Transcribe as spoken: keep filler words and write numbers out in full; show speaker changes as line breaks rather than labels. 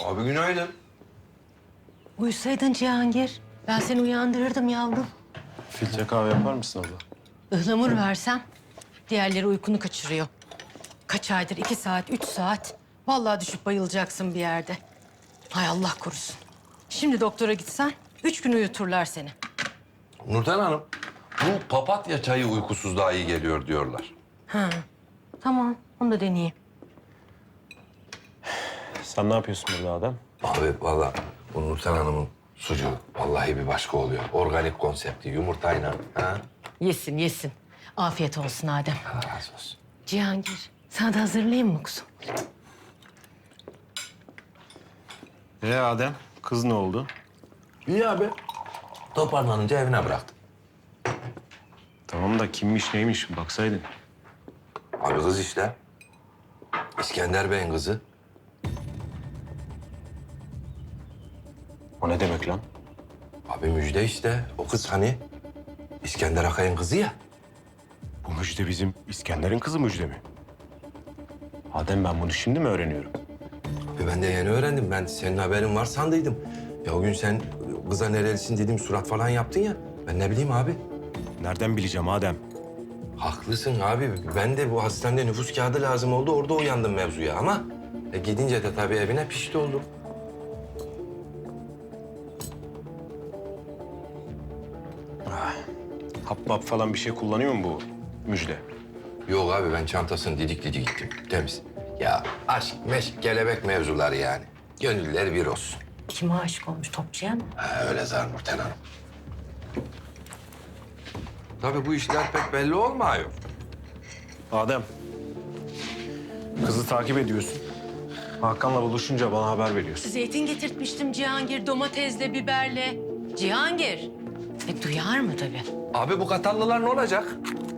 Abi günaydın.
Uyusaydın Cihangir. Ben seni uyandırırdım yavrum.
Filtre kahve yapar mısın abla?
Ihlamur versem diğerleri uykunu kaçırıyor. Kaç aydır iki saat, üç saat. Vallahi düşüp bayılacaksın bir yerde. Hay Allah korusun. Şimdi doktora gitsen üç gün uyuturlar seni.
Nurten Hanım, bu papatya çayı uykusuzluğa iyi geliyor diyorlar.
Ha, tamam. Onu da deneyeyim.
Sen ne yapıyorsun burada Adem?
Abi vallahi bu Nurten Hanım'ın sucuğu vallahi bir başka oluyor. Organik konsepti, yumurtayla. Ha?
Yesin, yesin. Afiyet olsun Adem.
Allah razı olsun.
Cihangir, sana da hazırlayayım mı kuzum?
Ee Adem, kız ne oldu?
İyi abi. Toparlanınca evine bıraktım.
Tamam da kimmiş neymiş baksaydın.
Abi kız işte. İskender Bey'in kızı.
O ne demek lan?
Abi müjde işte. O kız hani İskender Akay'ın kızı ya.
Bu Müjde bizim İskender'in kızı Müjde mi? Adem ben bunu şimdi mi öğreniyorum?
Abi ben de yeni öğrendim. Ben senin haberin var sandıydım. Ya o gün sen kıza nerelisin dedim surat falan yaptın ya. Ben ne bileyim abi.
Nereden bileceğim Adem?
Haklısın abi. Ben de bu hastanede nüfus kağıdı lazım oldu. Orada uyandım mevzuya ama e, gidince de tabii evine pişti oldum.
Hap map falan bir şey kullanıyor mu bu Müjde?
Yok abi ben çantasını didik didik gittim. Temiz. Ya aşk, meşk, kelebek mevzuları yani. Gönüller bir olsun.
Kime aşık olmuş? Topçuya mı?
Ha, öyle zar Nurten Hanım. Tabii bu işler pek belli olmuyor.
Adem, kızı takip ediyorsun. Hakan'la buluşunca bana haber veriyorsun.
Zeytin getirtmiştim Cihangir, domatesle, biberle. Cihangir. E, duyar mı tabii?
Abi bu Katallılar ne olacak?